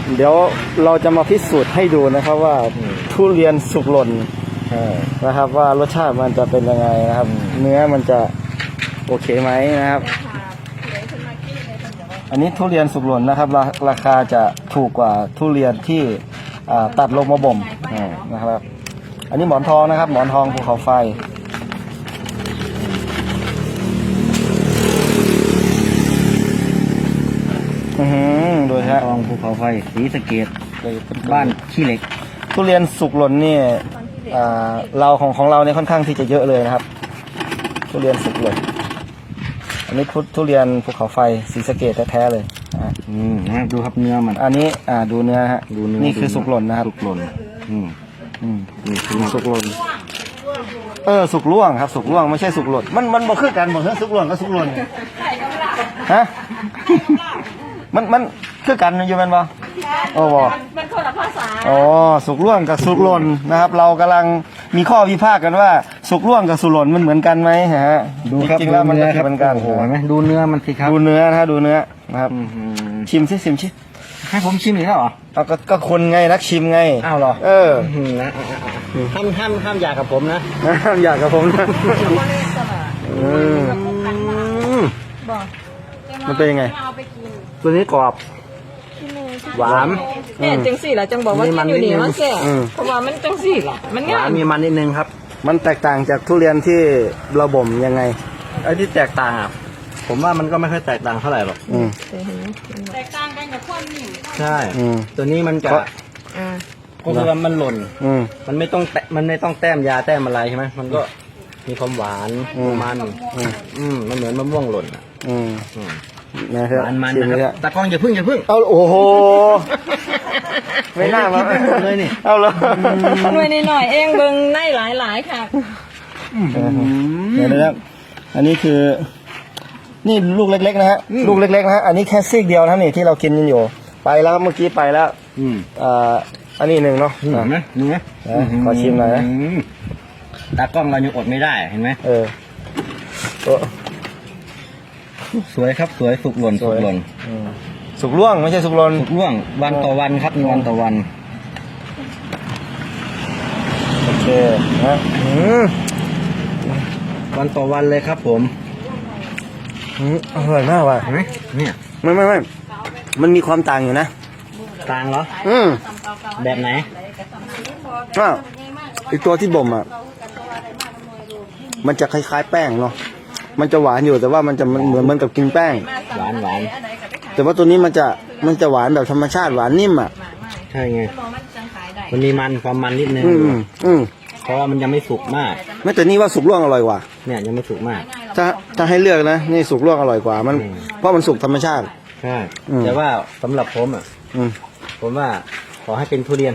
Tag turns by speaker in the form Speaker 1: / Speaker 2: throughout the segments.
Speaker 1: เดี๋ยวเราจะมาพิสูจน์ให้ดูนะครับว่าทุเรียนสุกหล่นนะครับว่ารสชาติมันจะเป็นยังไงนะครับเนื้อมันจะโอเคไหมนะครับอันนี้ทุเรียนสุกหล่นนะครับราคาจะถูกกว่าทุเรียนที่ตัดลงมาบ่มนะครับอันนี้หมอนทองนะครับหมอนทองภูเขาไฟโดยฮะ
Speaker 2: ทองภูเขาไฟศรีสะเกษบ้านขี้เหล็ก
Speaker 1: ทุเรียนสุกหล่นนี่เราของเราเนี่ยค่อนข้างที่จะเยอะเลยนะครับทุเรียนสุกหล่นอันนี้ทุเรียนภูเขาไฟศรีสะเกษแท้ๆเลย
Speaker 2: ดูครับเนื้อมัน
Speaker 1: อันนี้ดูเนื้อฮะนี่คือสุกหล่นนะครับ
Speaker 2: สุกหล่น
Speaker 1: นี่คือสุกหล่นสุกล่วงครับสุกล่วงไม่ใช่สุกหล่นมันบ่คือกันบ่เฮ้ยสุกหล่นก็สุกหล่นฮะมันคือกันอยู่มันบ่โอ้บ่
Speaker 3: มันคนละภาษา
Speaker 1: อ๋อสุกล่วงกับสุกหล่นนะครับเรากำลังมีข้อวิพากษ์กันว่าสุกล่วงกับสุกหล่นมันเหมือนกันไหมฮะ
Speaker 2: ดูครับ
Speaker 1: จริงๆแล้วมันก็เหมือนกัน
Speaker 2: โอ้โหไหมดูเนื้อมันสิครับ
Speaker 1: ดูเนื้อนะดูเนื้อนะครับชิมชิ
Speaker 2: ให้ผมชิมอีกแล้วเหรอ
Speaker 1: ก็คนไงนักชิมไง
Speaker 2: อ้าวเหรอ
Speaker 1: นะ
Speaker 2: ห้ามอยากกับผมนะ
Speaker 1: ห้ามอยากกับผมนะมันเป็นยังไง
Speaker 2: ตัวนี้กรอบหวาน
Speaker 3: เนี่ยจังสี่แหละจังบอกว่ากินอยู่นี่มันแก่เพราะว่ามันจังสี่แหละมันง่าย
Speaker 2: มีมันนิดนึงครับ
Speaker 1: มันแตกต่างจากทุเรียนที่เราบ่มยังไง
Speaker 2: ไอ้ที่แตกต่างผมว่ามันก็ไม่ค่อยแตกต่างเท่าไหร่หรอก
Speaker 3: แตกต่างกันกับความนิ่ม
Speaker 2: ใช่ตัวนี้มันจะก็คือมันหล่นมันไม่ต้องแต้มยาแต้มอะไรใช่ไหมมันก็มีความหวานมันเหมือนมะม่วงหล่น
Speaker 1: นะครับ
Speaker 2: มันนะครับตากล้องอย่าพึ่ง
Speaker 1: เอาโอ้โหไม่น่ามา
Speaker 2: เลยนี่
Speaker 1: เอาเลย
Speaker 3: หน่วยหน่อยเองเบิ่งในหลายค่ะ
Speaker 1: เดี๋ยวนะครับอันนี้คือนี่ลูกเล็กๆนะฮะลูกเล็กๆนะฮะอันนี้แค่ซีกเดียวนะนี่ที่เรากินกันอยู่ไปแล้วเมื่อกี้ไปแล้วอันนี้หนึ่งเนาะขอชิมหน่อยนะ
Speaker 2: ตากล้องเรายังอดไม่ได้เห็นไหมสวยครับสวยสุกหล่นสุก
Speaker 1: ล่วงไม่ใช่สุกหล่น
Speaker 2: สุกล่วงวันต่อวันครับวันต่อวัน
Speaker 1: โอเคนะ
Speaker 2: วันต่อวันเลยครับผม
Speaker 1: อร่อยมากว่ะ
Speaker 2: เห็นไหมเนี่ย
Speaker 1: ไม่มันมีความต่างอยู่นะ
Speaker 2: ต่างเหรอแบบไหน
Speaker 1: ไอตัวที่บ่มมันจะคล้ายๆแป้งเนาะมันจะหวานอยู่แต่ว่ามันจะเหมือนกับกินแป้ง
Speaker 2: หวาน
Speaker 1: แต่ว่าตัวนี้มันจะหวานแบบธรรมชาติหวานนิ่ม
Speaker 2: ใช่ไงมันมีความมันนิดนึงเพราะว่ามันยังไม่สุกมาก
Speaker 1: ไม่แต่นี่ว่าสุกล่วงอร่อยกว่า
Speaker 2: เนี่ยยังไม่สุกมาก
Speaker 1: ถ้าให้เลือกนะนี่สุกล่วงอร่อยกว่ามันเพราะมันสุกธรรมชาติ
Speaker 2: ใช่แต่ว่าสำหรับผมผมว่าขอให้เป็นทุเรียน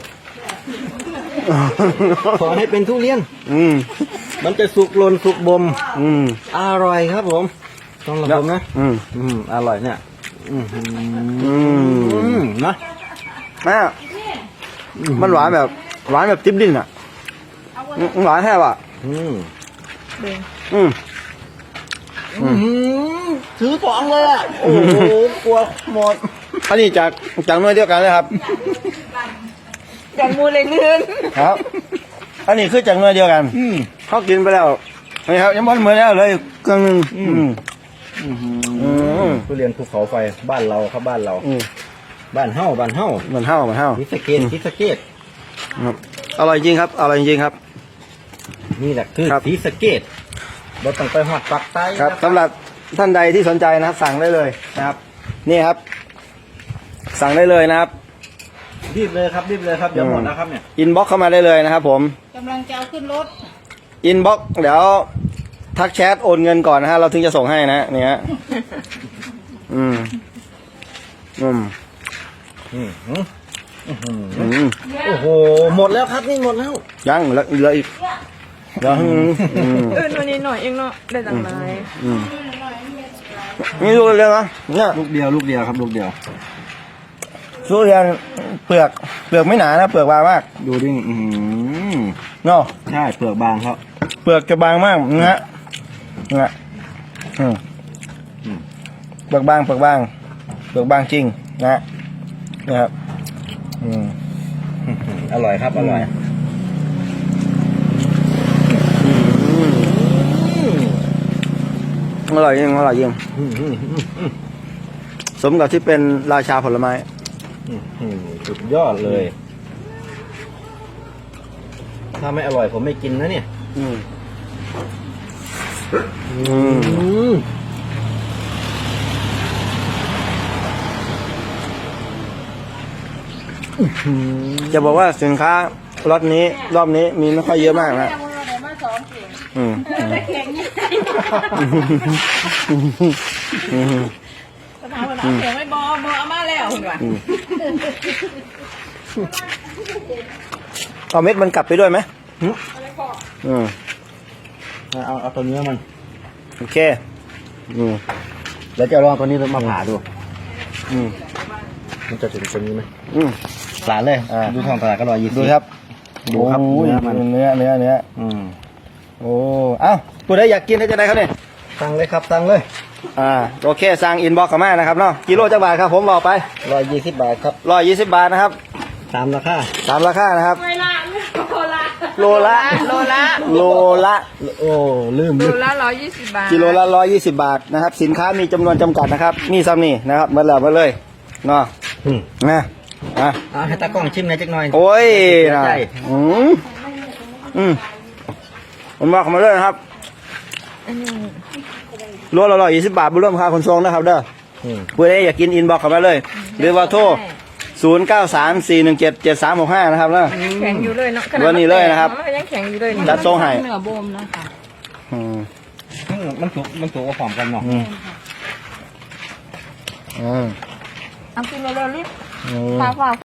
Speaker 2: ขอให้เป็นทุเรียนมันจะสุกหล่นสุกบ่มอร่อยครับผมต้องรับผมนะอร่อยเนี่ยนะ
Speaker 1: มันหวานแบบติ๊บดิ้นหวานแท้ว่ะ
Speaker 2: ถือของเลยโอ้โหกลัวหมด
Speaker 1: อันนี้จากหน่วยเดียวกันเลยครับ
Speaker 3: จากมูเลยลื่น
Speaker 1: ครับอันนี้คือจากหน่วยเดียวกันเขากินไปแล้วนี่ครับยังบอลเหมือนแล้วเลยเครื่องนึง
Speaker 2: ทุเรียนภูเขาไฟบ้านเราครับบ้านเราบ้านเฮ้าศรีสะเกษ
Speaker 1: ครับอร่อยจริงครับอร่อยจริงครับ
Speaker 2: นี่แหละคือศรีสะเกษเราต้องไปหอดปักใต้
Speaker 1: ครับสำหรับท่านใดที่สนใจนะครับสั่งได้เลยนะครับนี่ครับสั่งได้เลยนะครับ
Speaker 2: รีบเลยครับเดี๋ยวหมดแล้วครับเนี่ย
Speaker 1: อินบ็อกเข้ามาได้เลยนะครับผม
Speaker 3: กำลังจะเอาขึ้นรถ
Speaker 1: อินบ็อกเดี๋ยวทักแชทโอนเงินก่อนนะฮะเราถึงจะส่งให้นะนี่ฮะ
Speaker 2: โอ้โหหมดแล้วครับนี่หมดแล้ว
Speaker 1: ยังเหลืออีก
Speaker 3: วันนี้หน่อยเองเนาะได้จังเลย
Speaker 1: นี่ลูกเดียวนะเนี่ย
Speaker 2: ลูกเดียวครับลูกเดียว
Speaker 1: ทุเรียนเปลือกไม่หนานะเปลือกบางมาก
Speaker 2: ดูดิ
Speaker 1: เนาะ
Speaker 2: ใช่เปลือกบางครับ
Speaker 1: เปลือกจะบางมากนะเปลือกบางจริงนะครับ
Speaker 2: อร่อยครับอร่อย
Speaker 1: อร่อยจริงอร่อยจริงสมกับที่เป็นราชาผลไม้
Speaker 2: สุดยอดเลย ถ้าไม่อร่อยผมไม่กินนะเนี่ย
Speaker 1: จะบอกว่าสินค้าล็อตนี้รอบนี้มีไม่ค่อยเยอะมากนะอืม
Speaker 3: ถามว่าเสียงไม่บอเอามาแล้วคุณว่ะ
Speaker 1: เอาเม็ดมันกลับไปด้วยไหมอืม
Speaker 2: เอาตัวเนื้อมัน
Speaker 1: โอเคอืม
Speaker 2: แล้วจะลองตัวนี้มาผ่าดู
Speaker 1: อืม
Speaker 2: มันจะถึงตัวนี้ไหม
Speaker 1: อืม
Speaker 2: สารเลยดูทองตลาดก็120
Speaker 1: ดูครับ
Speaker 2: ดูครับ
Speaker 1: โอ้ย
Speaker 2: เนื้อมัน
Speaker 1: เนื้อโอ้เอ้าผู้ใดอยากกินได้จะได้ครับเนี่ย
Speaker 2: สั่งเลยครับสั่งเลย
Speaker 1: โอเคสั่งอินบ็อกซ์เข้ามานะครับเนาะกิโลจักบาทครับผมบอกไป
Speaker 2: 120 บาทครับ
Speaker 1: 120 บาทนะครับ
Speaker 2: ตามราคา
Speaker 1: ตามราคานะครับ
Speaker 3: เวลาโลละ
Speaker 1: โลละ
Speaker 3: โลละ
Speaker 2: โอ้ลืม
Speaker 3: โลละ120 บาท
Speaker 1: กิโลละ120 บาทนะครับสินค้ามีจำนวนจำกัดนะครับมีซ้ำนี่นะครับมาแล้วมาเลยเนาะนะ
Speaker 2: ให้ตากล้องชิมหน่อยจักหน่อย
Speaker 1: โอ้ยนะ
Speaker 2: ใช่
Speaker 1: ผมบอกมาเลยนะครับโลละ120 บาทบุญร่วมค่าขนส่งนะครับเด้อเพื่ออยากกินอินบ็อกซ์เข้ามาเลยหรือว่าโทร0934177365นะครับนะ
Speaker 3: แข็งอยู่เลยเนาะ
Speaker 1: วันนี้เลยนะครับ
Speaker 3: ยังแข็งอยู่เลย
Speaker 1: จัดทรงให้
Speaker 3: เนื้อโบมนะคะ
Speaker 2: มันถูกกับหอมกันเนาะ
Speaker 3: เอากินเร็วๆรีบฟ้า